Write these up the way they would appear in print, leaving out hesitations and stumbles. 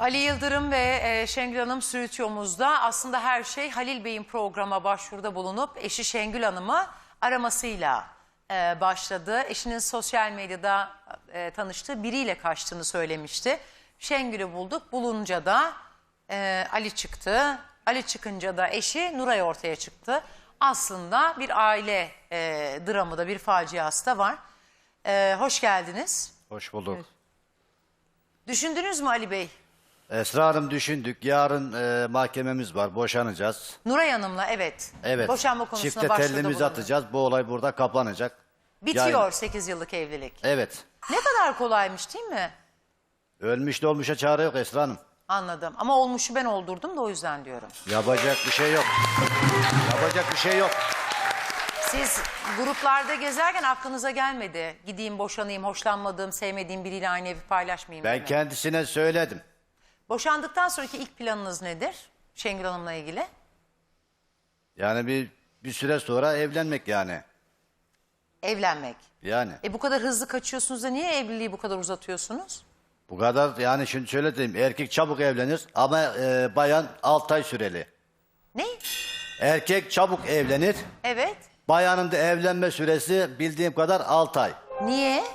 Ali Yıldırım ve Şengül Hanım Sürütüyomuz'da aslında her şey Halil Bey'in programa başvuruda bulunup eşi Şengül Hanım'ı aramasıyla başladı. Eşinin sosyal medyada tanıştığı biriyle kaçtığını söylemişti. Şengül'ü bulduk. Bulunca da Ali çıktı. Ali çıkınca da eşi Nuray ortaya çıktı. Aslında bir aile dramı da bir faciası da var. Hoş geldiniz. Hoş bulduk. Evet. Düşündünüz mü Ali Bey? Esra Hanım düşündük. Yarın mahkememiz var. Boşanacağız. Nuray Hanım'la evet. Evet. Boşanma konusuna Çifte başvuruda tellimizi bulundu. atacağız. Bu olay burada kapanacak. Bitiyor Yani- 8 yıllık evlilik. Evet. Ne kadar kolaymış değil mi? Ölmüş de olmuşa çare yok Esra Hanım. Anladım. Ama olmuşu ben oldurdum da o yüzden diyorum. Yapacak bir şey yok. Yapacak bir şey yok. Siz gruplarda gezerken aklınıza gelmedi. Gideyim, boşanayım, hoşlanmadığım, sevmediğim biriyle aynı evi paylaşmayayım Ben değil mi? kendisine söyledim. Boşandıktan sonraki ilk planınız nedir? Şengül Hanım'la ilgili. Yani bir süre sonra evlenmek yani. Evlenmek. Yani. Bu kadar hızlı kaçıyorsunuz da niye evliliği bu kadar uzatıyorsunuz? Bu kadar yani şimdi şöyle diyeyim. Erkek çabuk evlenir ama bayan 6 ay süreli. Ne? Erkek çabuk evlenir. Evet. Bayanın da evlenme süresi bildiğim kadar 6 ay. Niye?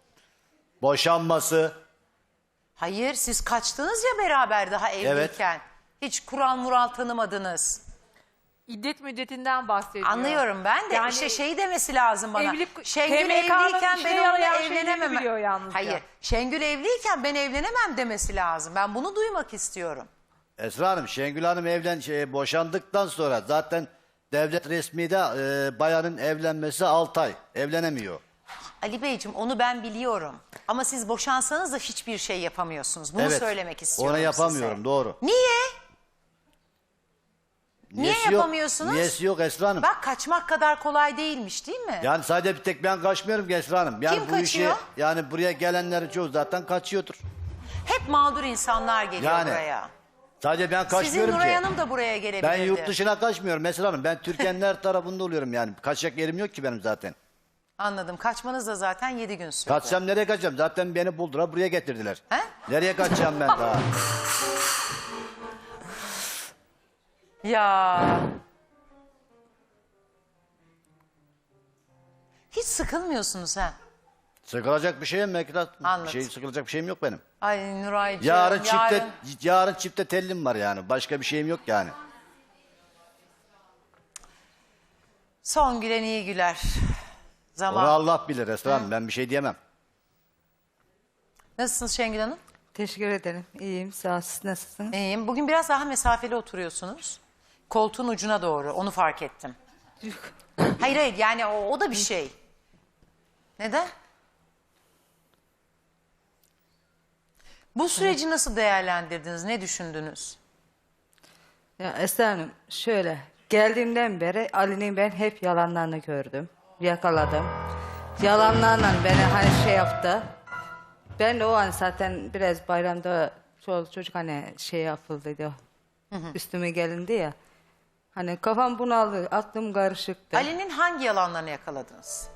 Boşanması. Hayır, siz kaçtınız ya beraber daha evliyken. Hiç kural mural tanımadınız. İddet müddetinden bahsediyor. Anlıyorum ben de. Yani işte şey demesi lazım bana. evlilik- Şengül TMK'nın evliyken işe ben onunla yarayan şeyleri evlenemem. biliyor yalnızca. Hayır. Şengül evliyken ben evlenemem demesi lazım. Ben bunu duymak istiyorum. Esra Hanım, Şengül Hanım boşandıktan sonra zaten devlet resmide bayanın evlenmesi 6 ay. Evlenemiyor. Ali Beyciğim onu ben biliyorum. Ama siz boşansanız da hiçbir şey yapamıyorsunuz. Bunu Evet, söylemek istiyorum onu yapamıyorum, size. doğru. Niye? Niyesi Niye yapamıyorsunuz? Yok, niyesi yok Esra Hanım. Bak kaçmak kadar kolay değilmiş değil mi? Yani sadece bir tek ben kaçmıyorum ki Esra Hanım. Yani Kim bu kaçıyor? yani buraya gelenlerin çoğu zaten kaçıyordur. Hep mağdur insanlar geliyor Yani, buraya. Sadece ben Sizin kaçmıyorum Nuray ki. Hanım da buraya gelebilirdi. Ben yurt dışına kaçmıyorum Esra Hanım. Ben Türkiye'nin her tarafında oluyorum yani. Kaçacak yerim yok ki benim zaten. Anladım. Kaçmanız da zaten 7 gün sürdü. Kaçsam nereye kaçacağım? Zaten beni buldular, buraya getirdiler. He? Nereye kaçacağım ben daha? Ya. Hiç sıkılmıyorsunuz ha. Sıkılacak bir şeyim mi? Anladım. Sıkılacak bir şeyim yok benim. Ay Nuraycığım. Yarın çifte tellim var yani. Başka bir şeyim yok yani. Son gülen iyi güler. Zaman. Onu Allah bilir Esra Hanım. Ben bir şey diyemem. Nasılsınız Şengül Hanım? Teşekkür ederim. İyiyim. Sağ ol. Siz nasılsınız? İyiyim. Bugün biraz daha mesafeli oturuyorsunuz. Koltuğun ucuna doğru. Onu fark ettim. Hayır hayır yani o da bir şey. Neden? Bu süreci nasıl değerlendirdiniz? Ne düşündünüz? Ya Esra Hanım şöyle. Geldiğimden beri Ali'nin ben hep yalanlarını gördüm. Yakaladım. Yalanlarla beni hani şey yaptı. Ben de o an zaten biraz bayramda çocuk hani şey yapıldıydı. Üstüme gelindi ya. Hani kafam bunaldı. Aklım karışıktı. Ali'nin hangi yalanlarını yakaladınız?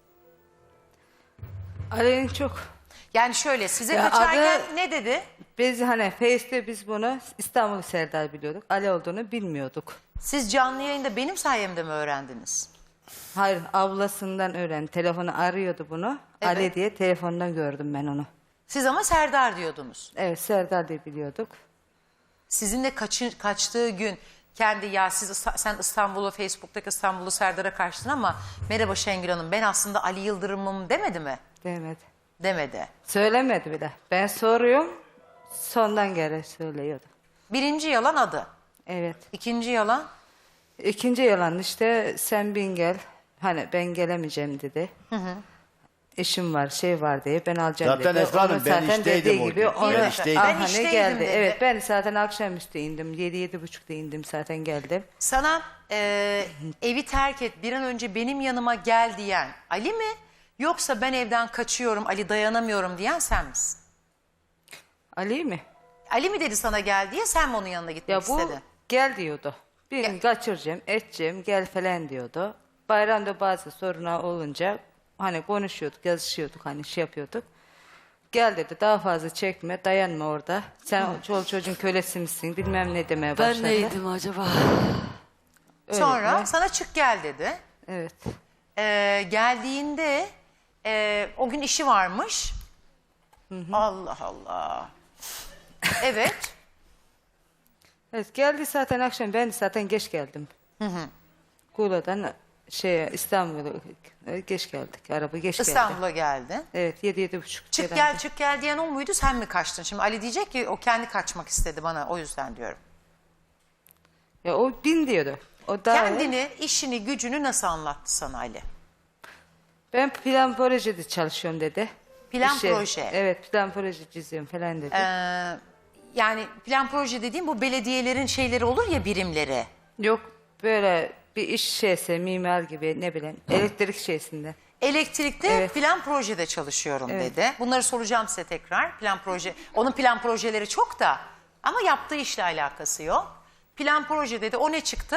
Ali'nin çok... Yani şöyle size Ya kaçarken adı- ne dedi? Biz hani Face'te biz bunu İstanbul Serdar biliyorduk. Ali olduğunu bilmiyorduk. Siz canlı yayında benim sayemde mi öğrendiniz? Hayır ablasından öğrendi. Telefonu arıyordu bunu. Evet. Ali diye telefondan gördüm ben onu. Siz ama Serdar diyordunuz. Evet Serdar diye biliyorduk. Sizinle kaçtığı gün kendi ya sen İstanbul'u Facebook'taki İstanbul'u Serdar'a kaçtın ama merhaba Şengül Hanım ben aslında Ali Yıldırım'ım demedi mi? Demedi. Demedi. Söylemedi bile. Ben soruyorum. Sondan geri söylüyordu. Birinci yalan adı. Evet. İkinci yalan İkinci yalan işte sen bin gel. Hani ben gelemeyeceğim dedi. İşim var şey var diye ben alacağım Zaten dedi. Esra Hanım, Onu ben zaten işteydim dediği o gibi gün. onu Ben işteydim. Ben hani işteydim geldi. dedi. Evet ben zaten akşamüstü indim. 7-7.30'da indim zaten geldim. sana evi terk et bir an önce benim yanıma gel diyen Ali mi? Yoksa ben evden kaçıyorum Ali dayanamıyorum diyen sen misin? Ali mi? Ali mi dedi sana gel diye sen mi onun yanına gitmek Ya bu istedin? gel diyordu. Bir Gel. gün kaçıracağım, edeceğim, gel falan diyordu. Bayramda bazı sorunlar olunca hani konuşuyorduk, yazışıyorduk, hani şey yapıyorduk. Gel dedi, daha fazla çekme, dayanma orada. Sen çoluk çocuğun kölesi misin, bilmem ne demeye başladı. Ben neydim acaba? Öyle Sonra mi? sana çık gel dedi. Evet. Geldiğinde o gün işi varmış. Allah Allah. Evet. Evet, geldi zaten akşam, ben zaten geç geldim. Kula'dan İstanbul'a geç geldik, araba geç geldi. İstanbul'a geldi. Evet, 7-7.30. Çık falan. gel çık gel diyen o muydu, sen mi kaçtın? Şimdi Ali diyecek ki o kendi kaçmak istedi bana, o yüzden diyorum. Ya o bin diyordu. O daha Kendini, işini, gücünü nasıl anlattı sana Ali? Ben plan projede çalışıyorum dedi. Plan proje. Evet, plan proje çiziyorum falan dedi. Yani plan proje dediğim bu belediyelerin şeyleri olur ya, birimleri. Yok, böyle bir iş şeyse, mimar gibi, ne bileyim, elektrik şeysinde. Elektrikte Evet. plan projede çalışıyorum Evet. dedi. Bunları soracağım size tekrar. Plan proje, onun plan projeleri çok da ama yaptığı işle alakası yok. Plan proje dedi. O ne çıktı?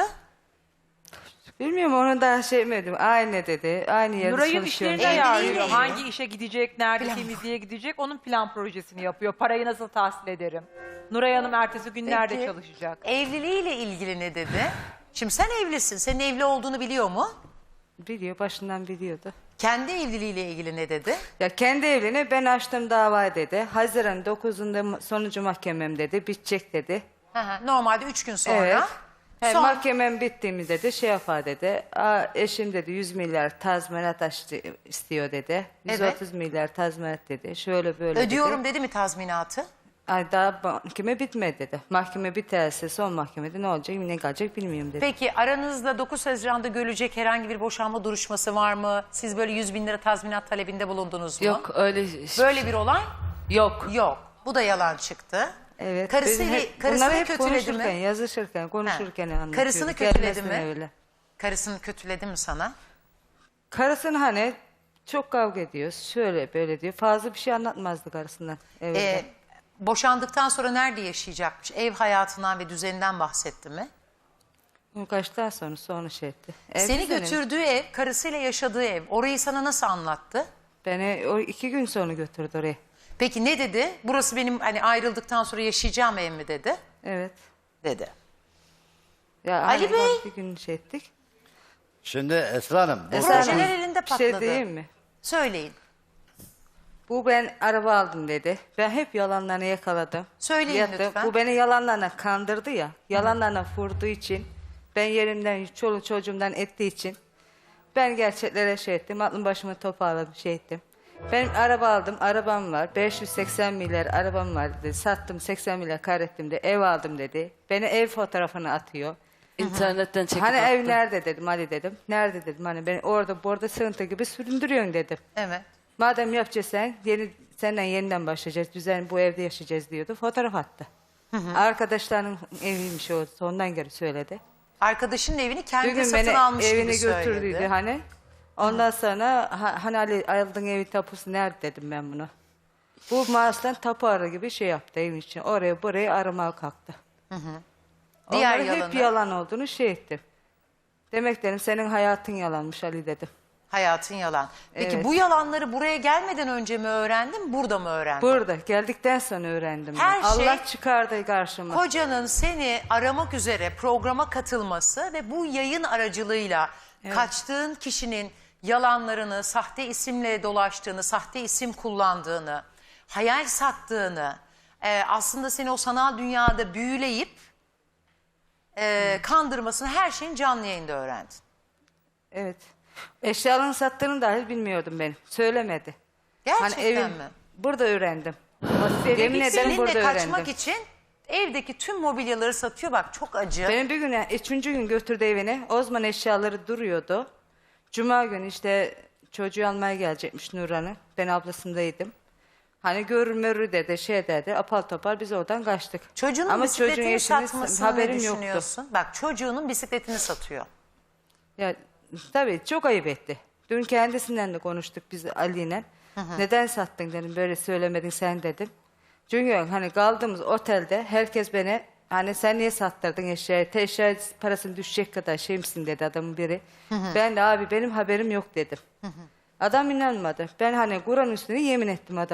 Bilmiyorum, onu daha şey mi aynı dedi. Aynı yerde Nuray'ın çalışıyorum. işlerini ayarlıyor. ilgili. Hangi işe gidecek, nerede temizliğe gidecek, onun plan projesini yapıyor. Parayı nasıl tahsil ederim? Nuray Hanım ertesi gün nerede Peki, çalışacak? evliliğiyle ilgili ne dedi? Şimdi sen evlisin. Senin evli olduğunu biliyor mu? Biliyor, başından biliyordu. Kendi evliliğiyle ilgili ne dedi? Ya kendi evliliğine ben açtım dava dedi. Haziran 9'unda sonucu mahkemem dedi. Bitecek dedi. Hı hı, normalde 3 gün sonra. Evet. Son- Mahkemem bittiğimizde de şey yapar dedi. Eşim dedi 100 milyar tazminat istiyor dedi. 130 milyar tazminat dedi. Şöyle böyle Ödüyorum dedi. dedi mi tazminatı? Ay daha mahkeme bitmedi dedi. Mahkeme biterse son mahkemede ne olacak, ne kalacak bilmiyorum dedi. Peki aranızda 9 Haziran'da görülecek herhangi bir boşanma duruşması var mı? Siz böyle 100 bin lira tazminat talebinde bulundunuz mu? Yok öyle. Böyle bir olay Yok. yok. Bu da yalan çıktı. Evet. Karısını bunları hep kötüledi konuşurken, mi? yazışırken, konuşurken anlatıyor. Karısını kötüledi Gelmesine mi? öyle. Karısını kötüledi mi sana? Karısını hani çok kavga ediyoruz. Şöyle böyle diyor. Fazla bir şey anlatmazdı karısından. Evet. Boşandıktan sonra nerede yaşayacakmış? Ev hayatından ve düzeninden bahsetti mi? Kaçtan sonra şey etti. Seni Düzeni. götürdüğü ev, karısıyla yaşadığı ev. Orayı sana nasıl anlattı? Beni o 2 gün sonra götürdü oraya. Peki ne dedi? Burası benim hani ayrıldıktan sonra yaşayacağım ev mi dedi? Evet. Dedi. Ya Ali hani Bey! Bir gün şey ettik. Şimdi Esra Hanım. Esra Projeler Hanım, elinde bir şey patladı. diyeyim mi? Söyleyin. Bu ben araba aldım dedi. Ben hep yalanlarını yakaladım. Söyleyin lütfen. Bu beni yalanlarına kandırdı ya. Yalanlarına vurduğu için. Ben yerimden, çoluk çocuğumdan ettiği için. Ben gerçeklere şey ettim. Aklım başımı toparladım, şey ettim. Ben araba aldım, arabam var. 580 milyar arabam var dedi. Sattım, 80 milyar kaybettim de ev aldım dedi. Beni ev fotoğrafını atıyor. İnternetten çekip Hani ev attı. nerede dedim, Ali dedim. Nerede dedim, hani beni orada burada sığıntı gibi süründürüyorsun dedim. Evet. Madem yapacaksan senden yeniden başlayacağız. Düzen bu evde yaşayacağız diyordu. Fotoğraf attı. Arkadaşlarının eviymiş o. Ondan geri söyledi. Arkadaşının evini kendi Bugün satın beni almış gibi evine götürdüydü söyledi. hani. Ondan sonra hani Ali aldığın evin tapusu nerede dedim ben bunu. Bu maaştan tapu arı gibi şey yaptı evin için. Oraya buraya aramaya kalktı. Diğer Onların hep yalanı? yalan olduğunu şey ettim. Demek dedim senin hayatın yalanmış Ali dedim. Hayatın yalan. Peki Evet. bu yalanları buraya gelmeden önce mi öğrendin, burada mı öğrendin? Burada geldikten sonra öğrendim. Ben. Her şey- Allah çıkardı karşıma. Kocanın seni aramak üzere programa katılması ve bu yayın aracılığıyla kaçtığın kişinin yalanlarını, sahte isimle dolaştığını, sahte isim kullandığını, hayal sattığını, aslında seni o sanal dünyada büyüleyip kandırmasını, her şeyin canlı yayında öğrendin. Evet. Eşyalarını sattığını dahi bilmiyordum ben. Söylemedi. Gerçekten mi? Burada öğrendim. Yemin ederim Seninle burada kaçmak öğrendim. için evdeki tüm mobilyaları satıyor. Bak çok acı. Benim bir gün, 3. gün götürdü evine. O zaman eşyaları duruyordu. Cuma günü işte çocuğu almaya gelecekmiş Nurhan'ı. Ben ablasındaydım. Hani görür mörür dedi, şey dedi. Apal topal biz oradan kaçtık. Çocuğunun Ama çocuğun bisikletini eşinin satmasını ne haberim yoktu. düşünüyorsun? Bak çocuğunun bisikletini satıyor. Ya tabii çok ayıp etti. Dün kendisinden de konuştuk biz Ali'yle. Neden sattın dedim, böyle söylemedin sen dedim. Çünkü hani kaldığımız otelde herkes beni hani sen niye sattırdın eşyayı? Eşya parasını düşecek kadar şey misin dedi adamın biri. Ben de abi benim haberim yok dedim. Adam inanmadı. Ben hani Kur'an üstüne yemin ettim adama.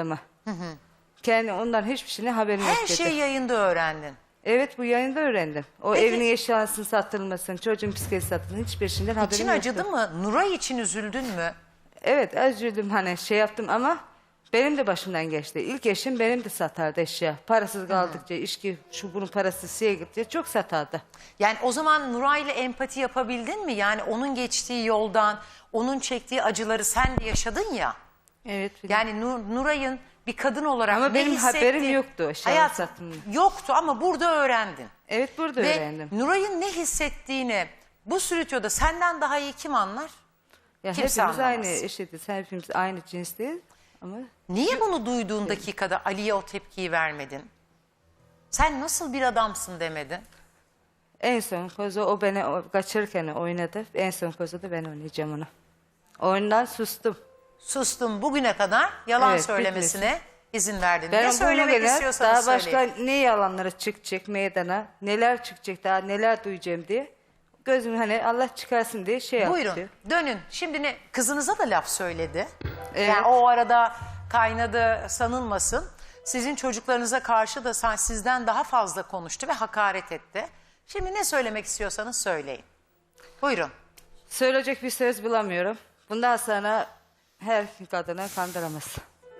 Kendi ondan hiçbir şeyine haberim yok Her dedi. şeyi yayında öğrendin. Evet, bu yayında öğrendim. O Peki- evinin eşyasının satılmasını, çocuğun psikolojisi satılmasını hiçbir şeyden haberim İçin yoktu. acıdı mı? Nuray için üzüldün mü? Evet, üzüldüm, hani şey yaptım ama benim de başımdan geçti. İlk eşim benim de satardı eşya. Parasız kaldıkça, içki, şu bunun parası şeye gittikçe çok satardı. Yani o zaman Nuray'la empati yapabildin mi? Yani onun geçtiği yoldan, onun çektiği acıları sen de yaşadın ya. Evet. Yani Nuray'ın bir kadın olarak Ama ne benim haberim hissettiği- yoktu eşyanın Hayat satımında. yoktu ama burada öğrendin. Evet, burada Ve öğrendim. Nuray'ın ne hissettiğini bu stüdyoda senden daha iyi kim anlar? Ya kimse hepimiz anlamaz. aynı eşitiz, hepimiz aynı cinsteyiz. Ama Niye bunu duyduğun dakikada Ali'ye o tepkiyi vermedin? Sen nasıl bir adamsın demedin? en son kozu o beni kaçırırken oynadı. En son kozu da ben oynayacağım onu. Oyundan sustum. Sustum bugüne kadar yalan Evet, söylemesine izin verdin. Ben Ne bunu söylemek gene istiyorsanız daha söyleyin. başka ne yalanlara çıkacak meydana, neler çıkacak daha, neler duyacağım diye. Gözüm hani Allah çıkarsın diye şey yaptı. Buyurun dönün. Şimdi ne kızınıza da laf söyledi. Evet. Yani o arada kaynadı sanılmasın. Sizin çocuklarınıza karşı da sizden daha fazla konuştu ve hakaret etti. Şimdi ne söylemek istiyorsanız söyleyin. Buyurun. Söyleyecek bir söz bulamıyorum. Bundan sonra her kadını kandıramaz.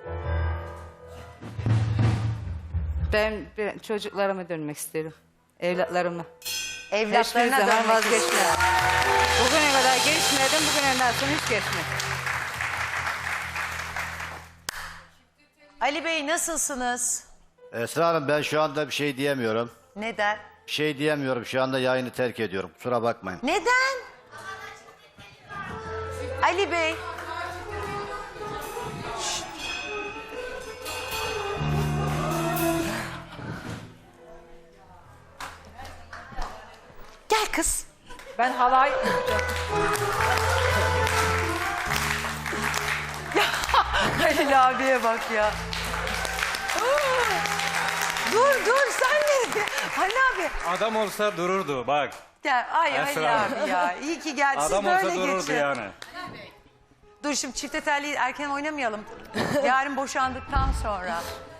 Ben çocuklarıma dönmek istiyorum. Evlatlarıma. Hiçbir Evlatlarına zaman dönmek vazgeçmem. istiyor. Bugüne kadar geçmedim, bugünden sonra hiç geçmem. Ali Bey nasılsınız? Esra Hanım, ben şu anda bir şey diyemiyorum. Neden? Bir şey diyemiyorum. Şu anda yayını terk ediyorum. Kusura bakmayın. Neden? Ali Bey. Şşt. Gel kız. Ben halay yapacağım. Halil abiye bak ya. Dur sen ne? Halil abi Adam olsa dururdu bak. gel. Ay Esra. Halil abi ya. İyi ki geldin. Siz Adam olsa böyle dururdu geçin. yani. Dur şimdi çifte telli erken oynamayalım. Yarın boşandıktan sonra.